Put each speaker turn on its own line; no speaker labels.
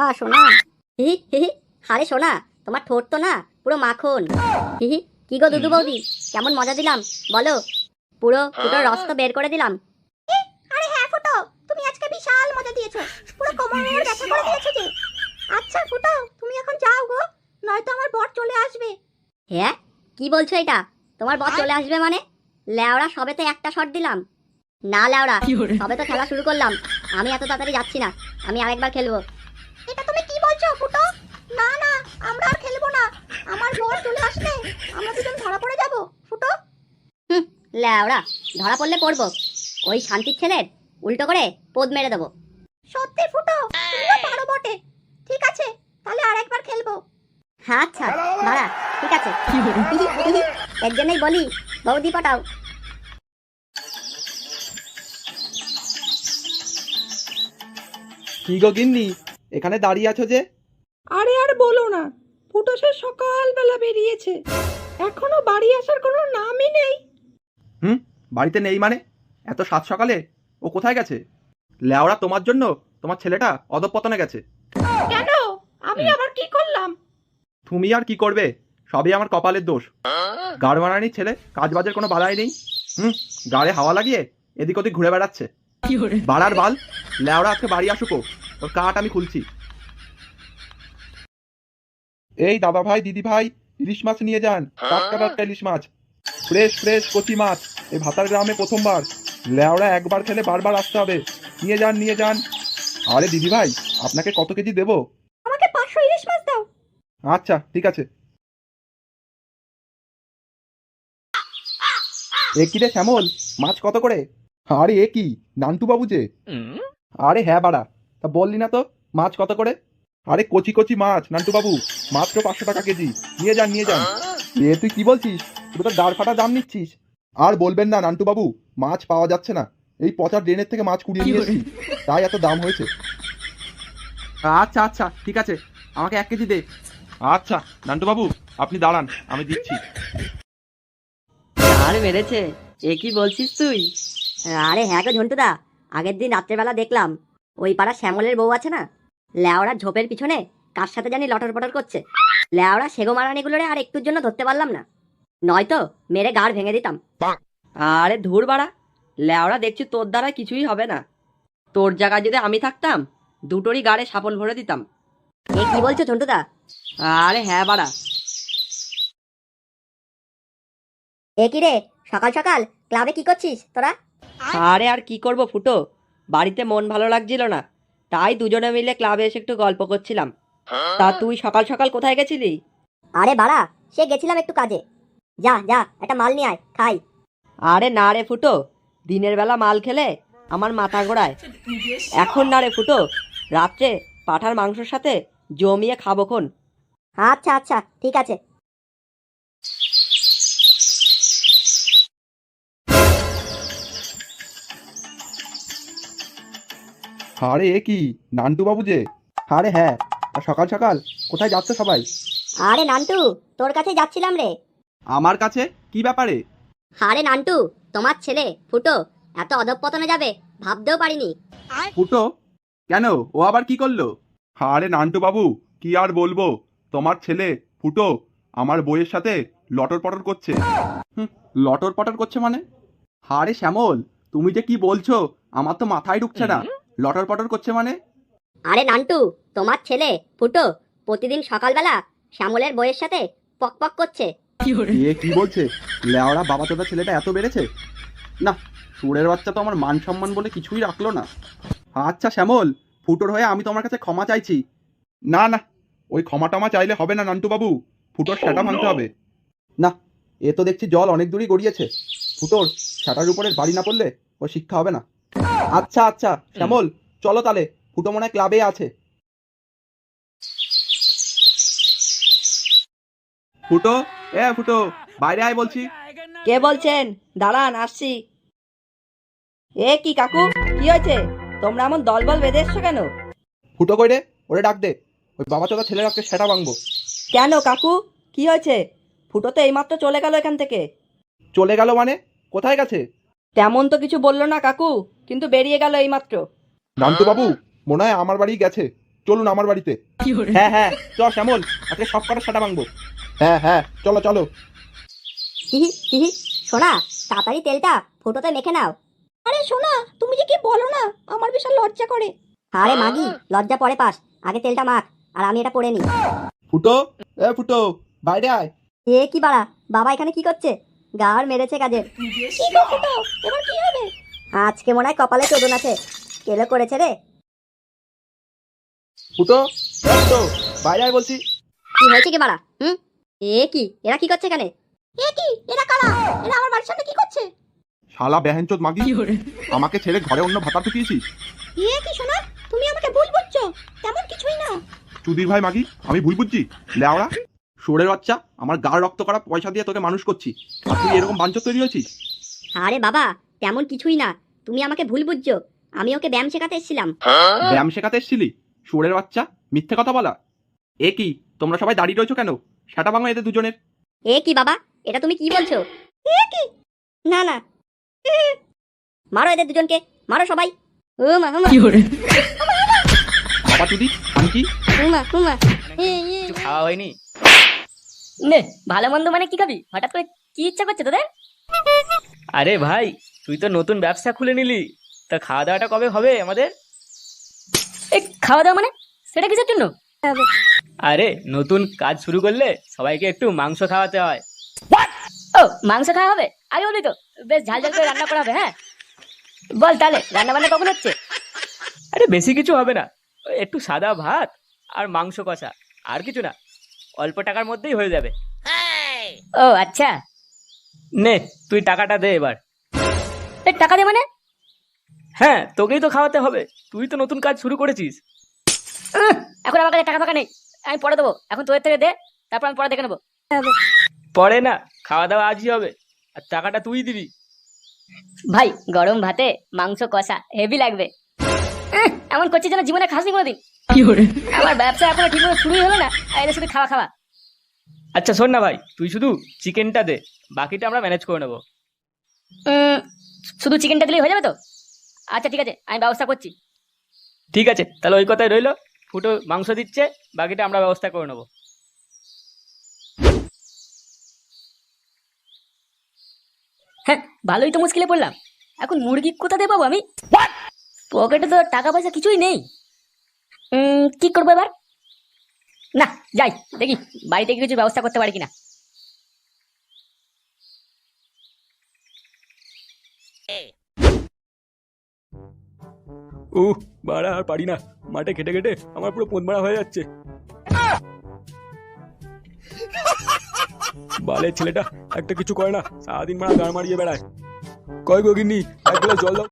সোনা। হি হি হি। আরে সোনা, তোমার ঠোঁট তো না পুরো মাখন। হি হি। কি গো দুদু বৌদি, কেমন মজা দিলাম বলো? পুরো ফুটোর রস তো বের করে দিলাম।
আরে হ্যাঁ ফুটো, তুমি আজকে বিশাল মজা দিয়েছো, পুরো কোমরের ব্যথা করে দিয়েছো যে। আচ্ছা ফুটো, তুমি এখন যাও গো, নয়তো আমার বর চলে আসবে।
হ্যাঁ, কি বলছো এটা? তোমার বর চলে আসবে মানে? ল্যাওড়া, সবে তো একটা শট দিলাম। না ল্যাওড়া, সবে তো খেলা শুরু করলাম, আমি এত তাড়াতাড়ি যাচ্ছি না, আমি আরেকবার খেলবো।
এটা তুমি কি বলছো ফুটো? না না, আমরা আর খেলবো না, আমার বর চলে আসলে আমরা দুজন ধরা পড়ে যাব ফুটো।
ল্যাওড়া, ধরা পড়লে পড়বো, ওই শান্তির ছেলের উল্টো করে পোদ মেরে দেবো।
সত্যি ফুটো, তুমিও পারো বটে। ঠিক আছে, তাহলে আরেকবার খেলবো।
হ্যাঁ আচ্ছা, দাঁড়া, ঠিক আছে। এর জন্যই বলি বৌদি পটাও।
কি গো গিন্নি, এখানে দাঁড়িয়ে আছো যে?
আরে আর বলো না, ফুটো সে সকালবেলা বেরিয়েছে, এখনো বাড়ি আসার কোনো নামই নেই।
বাড়িতে নেই মানে? এত সাত সকালে ও কোথায় গেছে? লেওড়া, তোমার জন্য তোমার ছেলেটা অধঃপতনে গেছে।
কেন? আমি আবার কি করলাম?
তুমি আর কি করবে, সবই আমার কপালের দোষ। গাড় মারানির ছেলে, কাজ বাজের কোনো বালাই নেই। গাড়ে হাওয়া লাগিয়ে এদিক ওদিক ঘুরে বেড়াচ্ছে। বাড়ার বাল, লেওড়া আজকে বাড়ি আসুকো, ওর কাঠ আমি খুলছি। এই দাদা ভাই, দিদি ভাই, ইলিশ মাছ নিয়ে যান, টাটকা টাটকা ইলিশ মাছ, ফ্রেশ ফ্রেশ কচি মাছ, এই ভাতার গ্রামে প্রথমবার। লেওড়া একবার খেলে বারবার আসতে হবে, নিয়ে যান নিয়ে যান। আরে দিদি ভাই, আপনাকে কত কেজি দেবো?
আমাকে 500 ইলিশ মাছ দাও।
আচ্ছা ঠিক আছে। এ কি রে শ্যামল, মাছ কত করে? আরে এ কি, নান্টু বাবু যে? আরে হ্যাঁ বাড়া, তা বললি না তো মাছ কত করে? আরে কচি কচি মাছ নান্টু বাবু, মাত্র 500 টাকা কেজি, নিয়ে যান নিয়ে যান। এ তুই কি বলছিস, তুই তো দাঁড় ফাটা দাম নিচ্ছিস। আর বলবেন না নান্টু বাবু, মাছ পাওয়া যাচ্ছে না, এই পচা ড্রেনের থেকে মাছ কুড়িয়ে নিয়ে এসেছি, তাই এত দাম হয়েছে। আচ্ছা আচ্ছা ঠিক আছে, আমাকে 1 কেজি দে। আচ্ছা নান্টু বাবু, আপনি দাঁড়ান, আমি দিচ্ছি।
আর মেরেছে, এ কি বলছিস তুই?
আরে হ্যাঁ গো ঝন্টুদা, আগের দিন রাত্রেবেলা দেখলাম ওই পাড়া শ্যামলের বউ আছে না, ল্যাওড়া ঝোপের পিছনে কার সাথে জানি লটর পটর করছে। ল্যাওড়া সেগো মারানিগুলোরে আর একটুর জন্য ধরতে পারলাম না, নয়তো মেরে গাড় ভেঙে দিতাম।
আরে ধুর বাড়া, ল্যাওড়া দেখছি তোর দ্বারা কিছুই হবে না। তোর জায়গায় যদি আমি থাকতাম, দুটোরই গাড়ে সাপল ভরে দিতাম।
এ কি বলছো ঝন্টুদা?
আরে হ্যাঁ বাড়া।
এ কি রে, সকাল সকাল ক্লাবে কি করছিস তোরা?
আরে আর কি করব ফুটো, বাড়িতে মন ভালো লাগছিল না, তাই দুজনে মিলে ক্লাবে এসে একটু গল্প করছিলাম। তা তুই সকাল সকাল কোথায় গেছিলি?
আরে বাড়া, সে গেছিলাম একটু কাজে। যা যা, একটা মাল নিয়ে আয়, খাই।
আরে না রে ফুটো, দিনের বেলা মাল খেলে আমার মাথা ঘোরায়। এখন না রে ফুটো, রাত্রে পাঁঠার মাংসের সাথে জমিয়ে খাবো খন।
আচ্ছা আচ্ছা ঠিক আছে।
আরে এ কি, নান্টু বাবু যে? আরে হ্যাঁ, আর সকাল সকাল কোথায় যাচ্ছে সবাই?
আরে নান্টু, তোর কাছে যাচ্ছিলাম রে।
আমার কাছে কি ব্যাপারে?
আরে নান্টু, তোমার ছেলে ফুটো এত অধঃপতনে যাবে ভাবতেও পারিনি।
ফুটো? কেন, ও আবার কি করলো? আরে নান্টু বাবু, কি আর বলবো, তোমার ছেলে ফুটো আমার বইয়ের সাথে লটর পটর করছে। লটর পটর করছে মানে? আরে শ্যামল, তুমি যে কি বলছো, আমার তো মাথায় ঢুকছে না। লটর পটর করছে মানে?
আরে নান্টু, তোমার ছেলে ফুটো প্রতিদিন সকালবেলা শ্যামলের বইয়ের সাথে পক পক করছে।
এ কি বলছে, লেওড়া বাবা তোদের ছেলেটা এত বেড়েছে না। সুরের বাচ্চা তো আমার মান সম্মান বলে কিছুই রাখলো না। আচ্ছা শ্যামল, ফুটোর হয়ে আমি তোমার কাছে ক্ষমা চাইছি। না না, ওই ক্ষমা টমা চাইলে হবে না নান্টু বাবু, ফুটোর সেটা ভাঙতে হবে। না, এ তো দেখছি জল অনেক দূরই গড়িয়েছে, ফুটোর সেটার উপরে বাড়ি না পড়লে ও শিক্ষা হবে না। আচ্ছা আচ্ছা শ্যামল, চলো তাহলে, ফুটো মনে হয় ক্লাবে আছে। ফুটো, এ ফুটো, বাইরে আয় বলছি।
কে বলছেন? দাঁড়ান আসছি। এ কি কাকু, কি হয়েছে? তোমরা এমন দলবল বেঁধে এসছো কেন?
ফুটো কই রে, ওরে ডাক দে, ওই বাবা চোদা ছেলের আজকে সেটা ভাঙবো।
কেন কাকু, কি হয়েছে? ফুটো তো এইমাত্র চলে গেল এখান থেকে।
চলে গেল মানে? কোথায় গেছে?
তেমন তো কিছু বললো না কাকু, কিন্তু বেরিয়ে গেল এইমাত্র।
নান্টু বাবু, মনে হয় আমার বাড়ি গেছে। চলুন আমার বাড়িতে। হ্যাঁ হ্যাঁ চ শ্যামল, আজকে সব কটা সাটা ভাঙবো। হ্যাঁ হ্যাঁ চলো চলো।
হিহি হিহি সোনা, তাড়াতাড়ি তেলটা ফুটোতে মেখে নাও।
আরে শোনা, তুমি যে কি বলো না, আমার বিশাল লজ্জা করে।
আরে মাগি, লজ্জা পরে পাস, আগে তেলটা মাখ আর আমি এটা পরে নি।
ফুটো, এ ফুটো, বাইরে আয়।
এ কি বাড়া, বাবা এখানে কি করছে? গাড় মেরেছে কাজের।
কি গো ফুটো, এবার কি হবে?
আজকে মনে হয় কপালে চোদন আছে, কেলো করেছে রে।
ফুটো, এ ফুটো, বাইরে আয় বলছি।
কি হয়েছে কি বাড়া? এ কি, এরা কি করছে এখানে?
এ কি, এরা কারা? এরা আমার বাড়ির সামনে কি করছে?
শালা বেহেনচোদ মাগি, আমাকে ছেড়ে ঘরে অন্য ভাতা ঢুকিয়েছিস।
এ কি শোনা, তুমি আমাকে ভুল বুঝছো, তেমন কিছুই না।
চুদির ভাই মাগি, আমি ভুল বুঝছি? লেওড়া শোরের বাচ্চা, আমার গাড় রক্ত করা পয়সা দিয়ে তোকে মানুষ করছি, আর তুই এরকম বাঞ্চত তৈরি হয়েছিস?
আরে বাবা, তেমন কিছুই না, তুমি আমাকে ভুল বুঝছো। আমি ওকে ব্যায়াম শেখাতে এসেছিলাম।
ব্যায়াম শেখাতে এসেছিলি? শোরের বাচ্চা, মিথ্যে কথা বলা। এ কি, তোমরা সবাই দাঁড়িয়ে রয়েছো কেন? সেটা ভাঙো এদের দুজনের।
এ কি বাবা, এটা তুমি কি বলছো?
এ কি?
না না, মারো এদের দুজনকে, মারো সবাই। ও মা ও মা,
বাবা চুদি, আমি কি?
ও মা ও মা।
কিছু খাওয়া হয়নি?
নে, ভালো মন্দ মানে কি খাবি? হঠাৎ করে কি ইচ্ছা করছে তোদের?
আরে ভাই, তুই তো নতুন ব্যবসা খুলে নিলি, তা খাওয়া দাওয়াটা কবে হবে আমাদের?
এই খাওয়া দাওয়া মানে সেটা কিসের জন্য?
আরে নতুন কাজ শুরু করলে সবাইকে একটু মাংস খাওয়াতে হয়।
ও, মাংস খাওয়া হবে? আগে বলি তো, বেশ ঝাল ঝাল করে রান্না করা হবে। হ্যাঁ বল তাহলে, রান্না বান্না কখন হচ্ছে?
আরে বেশি কিছু হবে না, ওই একটু সাদা ভাত আর মাংস কষা, আর কিছু না, অল্প টাকার মধ্যেই হয়ে যাবে।
ও আচ্ছা।
নে তুই টাকাটা দে এবার।
এই টাকা দে মানে?
হ্যাঁ, তোকেই তো খাওয়াতে হবে, তুই তো নতুন কাজ শুরু করেছিস।
এখন আমার কাছে টাকা ফাঁকা নেই, আমি পরে দেবো। এখন তোদের থেকে দে, তারপর আমি পরে দেখে নেবো।
পরে না, খাওয়া দাওয়া আজই হবে, আর টাকাটা তুই দিবি।
ভাই, গরম ভাতে মাংস কষা হেভি লাগবে। এমন করছিস যেন জীবনে খাসনি কোনোদিন। আমার ব্যবসা এখনো ঠিক মতো শুরুই হলো না, আর এদের শুধু খাওয়া খাওয়া।
আচ্ছা শোন না ভাই, তুই শুধু চিকেনটা দে, বাকিটা আমরা ম্যানেজ করে নেবো।
শুধু চিকেনটা দিলেই হয়ে যাবে তো? আচ্ছা ঠিক আছে, আমি ব্যবস্থা করছি।
ঠিক আছে, তাহলে ওই কথাই রইলো। ফুটো মাংস দিচ্ছে, বাকিটা আমরা ব্যবস্থা করে নেবো।
হ্যাঁ, ভালোই তো মুশকিলে পড়লাম। এখন মুরগি কোথা দিয়ে পাবো আমি? পকেটে তো টাকা পয়সা কিছুই নেই। কি করবো এবার? না, যাই দেখি বাড়িতে কিছু ব্যবস্থা করতে পারি কিনা।
বাড়া আর পারি না, মাঠে খেটে খেটে আমার পুরো পোদ মারা হয়ে যাচ্ছে। বালের ছেলেটা একটা কিছু করে না, সারাদিন মারা গান মারিয়ে বেড়ায়। কয় গো গিন্নি, এক গ্লাস জল দাও।